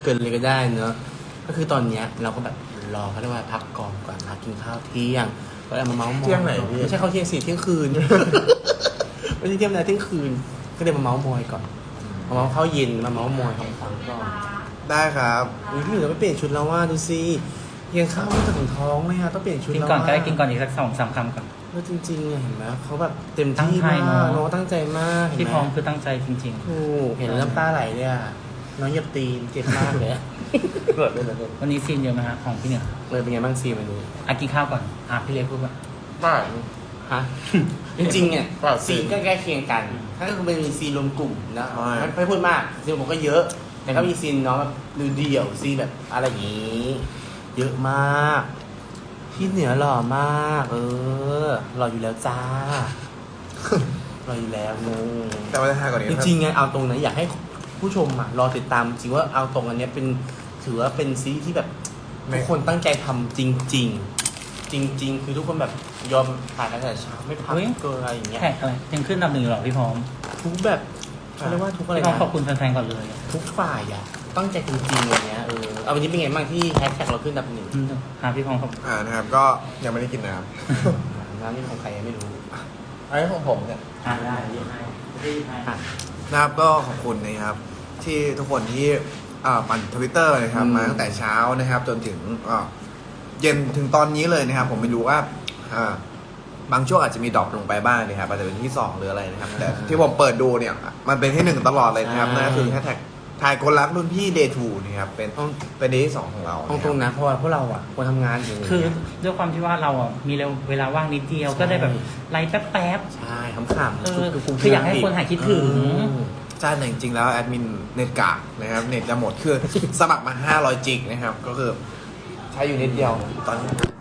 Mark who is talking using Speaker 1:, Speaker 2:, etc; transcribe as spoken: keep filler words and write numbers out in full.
Speaker 1: เกินเลยก็ได้เนอะก็คือตอนเนี้ยเราก็แบบรอเขาเรียกว่าพักก่อนก่อนพักกินข้าวเที่ยงก็เลยมาเมาส์มอย
Speaker 2: เที่ยงไหนพี่
Speaker 1: ไม่ใช่ข้าวเที่ยงสี่เที่ยงคืน ไม่ใช่เที่ยงนะเที่ยงคืนก็เลยมาเมาส์มอยก่อนมาเมาส์ข้าวเย็นมาเมาส์มอยคำฟังก่อน
Speaker 2: ได้ครับ
Speaker 1: อุ้ยพี่หนูจะไปเปลี่ยนชุดแล้วว่าดูสิยังข้าวไม่ถึงท้องเลยอะต้องเปลี่ยนชุด
Speaker 3: กิน
Speaker 1: แล้ว
Speaker 3: ก่อนก็ได้
Speaker 1: ว่า
Speaker 3: กินก่อนอีกสักสองสามคำก่อน
Speaker 1: แล้วจริงๆอะเห็นไหมเขาแบบเต็ม
Speaker 3: ตั้ง
Speaker 1: ที่
Speaker 3: ใจ
Speaker 1: มาก
Speaker 3: เนอะ
Speaker 1: น้องตั้งใจมากเห็น
Speaker 3: ที่
Speaker 1: ไห
Speaker 3: พร้อมคือตั้งใจจริง
Speaker 1: ถูกเห็นแล้วน้ำตาไหลเลยอะน้องเหยียบตีนเจ็บมากเลยอะเกิดเลยเลย
Speaker 3: ๆ วันนี้ซีนเยอะไหมฮะของพี่เหนือ
Speaker 1: เลยเป็นไงบ้างซีวันนี้
Speaker 3: อ่ะกินข้าวก่อนอ่ะพี่เล็กพูดว่า
Speaker 2: ได้
Speaker 1: ฮะ จริงๆเนี่ย
Speaker 2: ครับ
Speaker 1: ซีนก็ใกล้เคียงกัน ถ้าก็คือมันมีซีนรวมกลุ่มนะ
Speaker 2: ใช่
Speaker 1: ไม่ไม่พูดมากซีนผมก็เยอะ แต่ก็มีซีนน้องแบบดูเดี่ยวซีนแบบอะไรอย่างนี้ เยอะมากพี่เหนือหล่อมาก เออหล่ออยู่แล้วจ้า หล่ออยู่แล้วงง
Speaker 2: แต่ว่าจะทายก่อนนี้
Speaker 1: จ
Speaker 2: นะ
Speaker 1: ริงๆไงเอาตรงนะอยากให้ผู้ชมอ่ะรอติดตามจริงว่าเอาตรงอันเนี้ยเป็นถือว่าเป็นซีรีส์ที่แบบทุกคนตั้งใจทำจริง ๆ จริง ๆ คือทุกคนแบบยอมผ่านกันแต่เช้าไม่พักเกินอะไรอย่างเงี้ย
Speaker 3: แขกอะไรยังขึ้นอันดับหนึ่งอยู่หรอพี่พร้อม
Speaker 1: ทุกแบบเขาเรียกว่าทุกอะไร
Speaker 3: พี่พร้อม
Speaker 1: นะ
Speaker 3: ขอบคุณแฟนๆก่อนเลย
Speaker 1: ทุกฝ่ายอ่ะตั้งใจจริงๆอย่างเงี้ยเออเอาวันนี้เป็นไงบ้างที่แฮชแท็กเราขึ้นอันดับหนึ่ง
Speaker 3: อืมหาพี่พร้อมครับ
Speaker 2: อ่านะครับก็ยังไม่ได้กินน้
Speaker 1: น้ำนี่ของใครยังไม่รู้
Speaker 2: ำอันนี้ของผมเนี่ย
Speaker 3: อ่าได้ได้ได้
Speaker 1: อ่ะ
Speaker 2: นะครับก็ขอบคุณนะครับ ที่ทุกคนที่อ่าปั่นทวิตเตอร์นะครับ
Speaker 1: อืม
Speaker 2: มาตั้งแต่เช้านะครับ จนถึงอ่าเย็นถึงตอนนี้เลยนะครับ ผมไม่รู้ว่าอ่าบางช่วงอาจจะมีดรอปลงไปบ้างนะครับอาจจะเป็นที่สองหรืออะไรนะครับ แต่ที่ผมเปิดดูเนี่ยมันเป็นที่หนึ่งตลอดเลยนะครับนั่นก็คือแฮชแท็กทายคนรักรุ่นพี่เดทูนะครับเป็นเป็นเดย์ที่สองของเรา
Speaker 1: ตรงตรงๆนะเพราะว่าพวกเราอ่ะควรทำงานอยู่
Speaker 3: คือด้วยความที่ว่าเราอ่ะมีเวลาว่างนิดเดียวก็ได้แบบไลฟ์แป๊บ
Speaker 1: ใช่ขำๆ
Speaker 3: เออคืออยากให้คนหายคิดถึง
Speaker 2: ใช่แต่จริงๆแล้วแอดมินเน็ตกากนะครับเน็ตจะหมดคือสมัครมาห้าร้อยจิกนะครับก็คือใช้อยู่นิดเดียวตอนนี้